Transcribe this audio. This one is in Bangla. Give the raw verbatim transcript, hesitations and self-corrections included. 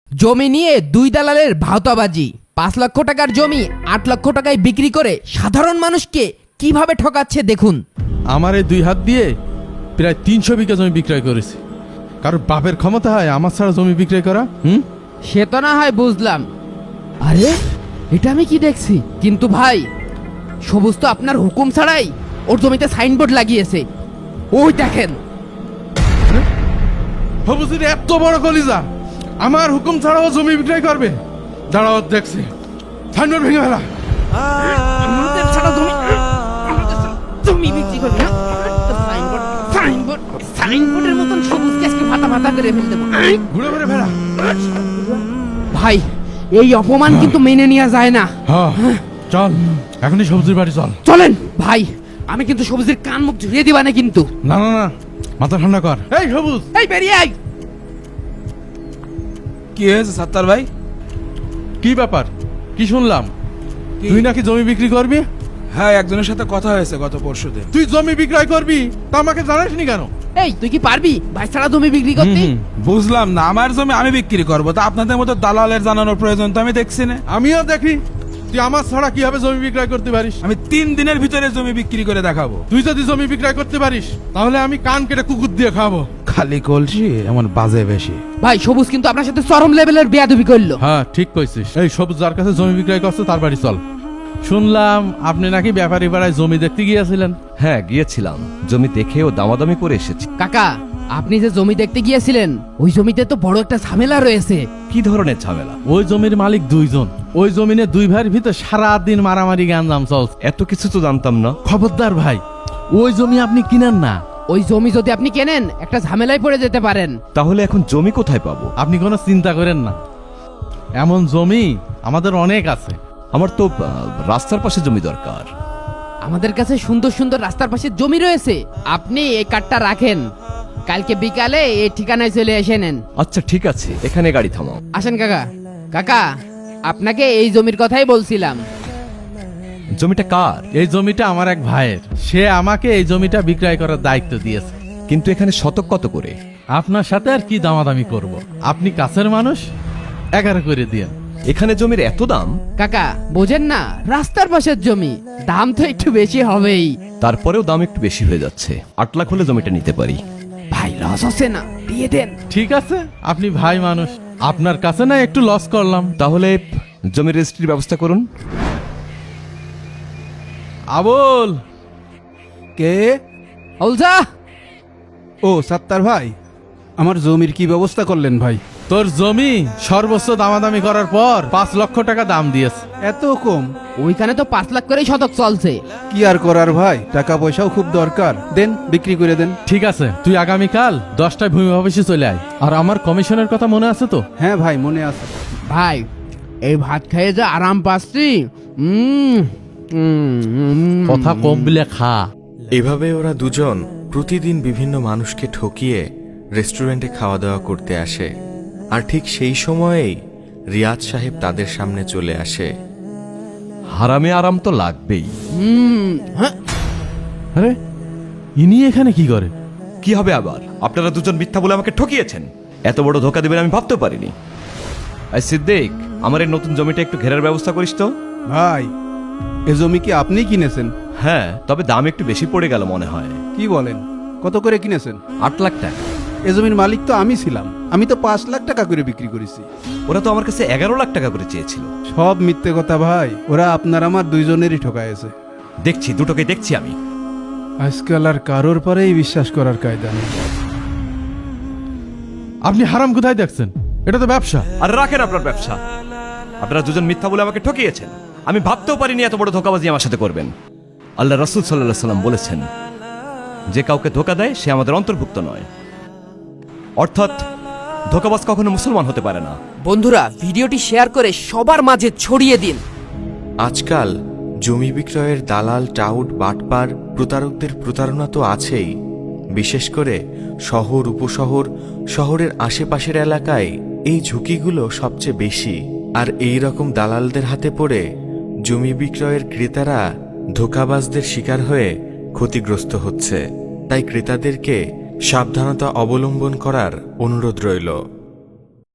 জমি নিয়ে দুই দালালের ভাওতাবাজি। পাঁচ লক্ষ টাকার জমি আট লক্ষ টাকায় বিক্রি করে সাধারণ মানুষকে কিভাবে ঠকাচ্ছে দেখুন। আমার এই দুই হাত দিয়ে প্রায় তিনশো বিঘা জমি বিক্রয় করেছি। কারোর বাপের ক্ষমতা হয় আমার ছাড়া জমি বিক্রয় করা? হুম, সে তো না হয় বুঝলাম। আরে এটা আমি কি দেখছি? কিন্তু ভাই, সবুজ তো আপনার হুকুম ছাড়াই ওর জমিতে সাইনবোর্ড লাগিয়েছে। ওই দেখেন। সবুজের এত বড় কলিজা আমার হুকুম ছাড়াও জমি বিক্রয় করবে? দাঁড়াও দেখছি, সাইনবোর্ড ভেঙে ফেলা। আমাদের ছাড়া জমি আমাদের ছাড়া জমি বিক্রি করবে না? সাইনবোর্ড সাইনবোর্ড সাইনবোর্ডের মতন সবুজকে আজকে ভাতা ভাতা করে ফেল দেবো। ঘুরে ঘুরে ফেলা। ভাই, এই অপমান কিন্তু মেনে নেওয়া যায় না। হ্যাঁ, চল এখনই সবজির বাড়ি চল। চলেন ভাই, আমি কিন্তু সবুজের কান মুখ ঝুড়িয়ে দিবা না কিন্তু। না না না, মাথা ঠান্ডা কর। এই সবুজ, এই বেরিয়ে আয়। কি হয়েছে সাত্তার ভাই? কি ব্যাপার? কি শুনলাম তুই নাকি জমি বিক্রি করবি? হ্যাঁ, একজনের সাথে কথা হয়েছে গত পরশু দিন। তুই জমি বিক্রয় করবি তা আমাকে জানাসনি কেন? এই তুই কি পারবি ভাই ছাড়া জমি বিক্রি করতে? হুম, বুঝলাম না, আমার জমি আমি বিক্রি করবো, তা আপনাদের মতো দালালের জানানোর প্রয়োজন তো আমি দেখছি না। আমিও দেখি তুই আমার ছাড়া কিভাবে জমি বিক্রয় করতে পারিস। আমি তিন দিনের ভিতরে জমি বিক্রি করে দেখাবো। তুই যদি জমি বিক্রয় করতে পারিস তাহলে আমি কান কেটে কুকুর দিয়ে খাবো। খালি কলসি এমন বাজে বেশি। ভাই, সবুজ কিন্তু আপনার সাথে চরম লেভেলের বেয়াদবি করলো। হ্যাঁ, ঠিক কইছিস। এই সবুজ যার কাছে জমি বিক্রয় করছে তার বাড়ি চল। শুনলাম আপনি নাকি ব্যাপারী পাড়ায় জমি দেখতে গিয়েছিলেন। হ্যাঁ, গিয়েছিলাম। জমি দেখে ও দামাদামি করে এসেছি। কাকা, আপনি যে জমি দেখতে গিয়েছিলেন ওই জমিতে তো বড় একটা ঝামেলা রয়েছে। কি ধরনের ঝামেলা? ওই জমির মালিক দুইজন। ওই জমিনে দুই ভাইয়ের ভিতর সারা দিন মারামারি গাঞ্জাম চলছে। এত কিছু তো জানতাম না। খবরদার ভাই, ওই জমি আপনি কিনেন না। ওই জমি যদি আপনি কেনেন একটা ঝামেলায় পড়ে যেতে পারেন। তাহলে এখন জমি কোথায় পাবো? আপনি কোনো চিন্তা করেন না, এমন জমি আমাদের অনেক আছে। আমার তো আহ, রাস্তার পাশে জমি দরকার। আমাদের কাছে সুন্দর সুন্দর রাস্তার পাশে জমি রয়েছে। আপনি এই কার্ডটা রাখেন, কালকে বিকালে এই ঠিকানায় চলে এসে নেন। আচ্ছা ঠিক আছে, এখানে গাড়ি থামাও। আসেন কাকা। কাকা, আপনাকে এই জমির কথাই বলছিলাম। জমিটা কার? এই জমিটা আমার এক ভাইয়ের। সে আমাকে এই জমিটা বিক্রয় করার দায়িত্ব দিয়েছে। কিন্তু এখানে শতক কত করে? আপনার সাথে আর কি দামাদামি করব, আপনি কাছের মানুষ, এগারো করে দিয়েন। এখানে জমির এত দাম? কাকা বোঝেন না, রাস্তার পাশের জমি, দাম তো একটু বেশি হবেই। তারপরেও দাম একটু বেশি হয়ে যাচ্ছে। আট লাখ হলে জমিটা নিতে পারি। ভাই, লস হচ্ছে না, দিয়ে দেন। ঠিক আছে, আপনি ভাই মানুষ, আপনার কাছে না একটু লস করলাম। তাহলে জমির রেজিস্ট্রির ব্যবস্থা করুন। আবুল, কে? অলজা, ও সাত্তার ভাই, আমার জমির কি ব্যবস্থা করলেন ভাই? তোর জমি সর্বোচ্চ দামাদামি করার পর পাঁচ লক্ষ টাকা দাম দিয়েছে। এত কম? ওইখানে তো পাঁচ লাখ করেই শতক চলছে। কি আর করার ভাই, টাকা পয়সাও খুব দরকার। দেন, বিক্রি করে দেন। ঠিক আছে, তুই আগামীকাল দশটায় ভূমি অফিসে চলে আয়। আর আমার কমিশনের কথা মনে আছে তো? হ্যাঁ ভাই, মনে আছে। ভাই, এই ভাত খেয়ে যে আরাম পাচ্ছি। উম, উম, উম। কথা কম বিলে খা। এভাবে ওরা দুজন প্রতিদিন বিভিন্ন মানুষকে ঠকিয়ে রেস্টুরেন্টে খাওয়া দাওয়া করতে আসে। আর ঠিক সেই সময়েই রিয়াজ সাহেব তাদের সামনে চলে আসে। হারামে আরাম তো লাগবেই। উম, হ্যাঁ। আরে ইনি এখানে কি করে? কি হবে আবার? আপনারা দুজন মিথ্যা বলে আমাকে ঠকিয়েছেন। এত বড় ধোকা দেবেন আমি ভাবতেও পারিনি। এই সিদ্দিক, আমার এই নতুন জমিটা একটু ঘেরার ব্যবস্থা করিস তো। ভাই, এ জমি কি আপনি কিনেছেন? হ্যাঁ, তবে দাম একটু বেশি পড়ে গেল মনে হয়। কি বলেন? কত করে কিনেছেন? আট লাখ টাকা। এ জমির মালিক তো আমি ছিলাম। আমি তো পাঁচ লাখ টাকা করে বিক্রি করেছি। ওরা তো আমার কাছে এগারো লাখ টাকা করে চেয়েছিল। সব মিথ্যে কথা ভাই, ওরা আপনার আমার দুইজনেরই ঠকাইছে। দেখছি, দুটোকে দেখছি আমি। আজকাল আর কারোর পরেই বিশ্বাস করার কায়দা নেই। আপনি হারাম কোথায় দেখছেন? এটা তো ব্যবসা। আর রাখেন আপনার ব্যবসা। আপনারা দুজন মিথ্যা বলে আমাকে ঠকিয়েছেন। আমি ভাবতেও পারিনি এত বড় ধোকাবাজি আমার সাথে করবেন। আল্লাহ রাসূল সাল্লাল্লাহু আলাইহি সাল্লাম বলেছেন, যে কাউকে ধোকা দেয় সে আমাদের অন্তর্ভুক্ত নয়। অর্থাৎ ধোকাবাজ কখনো মুসলমান হতে পারে না। বন্ধুরা, ভিডিওটি শেয়ার করে সবার মাঝে ছড়িয়ে দিন। আজকাল জমি বিক্রয়ের দালাল, টাউট, বাটপার, প্রতারকদের প্রতারণা তো আছেই। বিশেষ করে শহর, উপশহর, শহরের আশেপাশের এলাকায় এই ঝুঁকিগুলো সবচেয়ে বেশি। আর এই রকম দালালদের হাতে পড়ে জমি বিক্রয়ের ক্রেতারা ধোঁকাবাজদের শিকার হয়ে ক্ষতিগ্রস্ত হচ্ছে। তাই ক্রেতাদেরকে সাবধানতা অবলম্বন করার অনুরোধ রইল।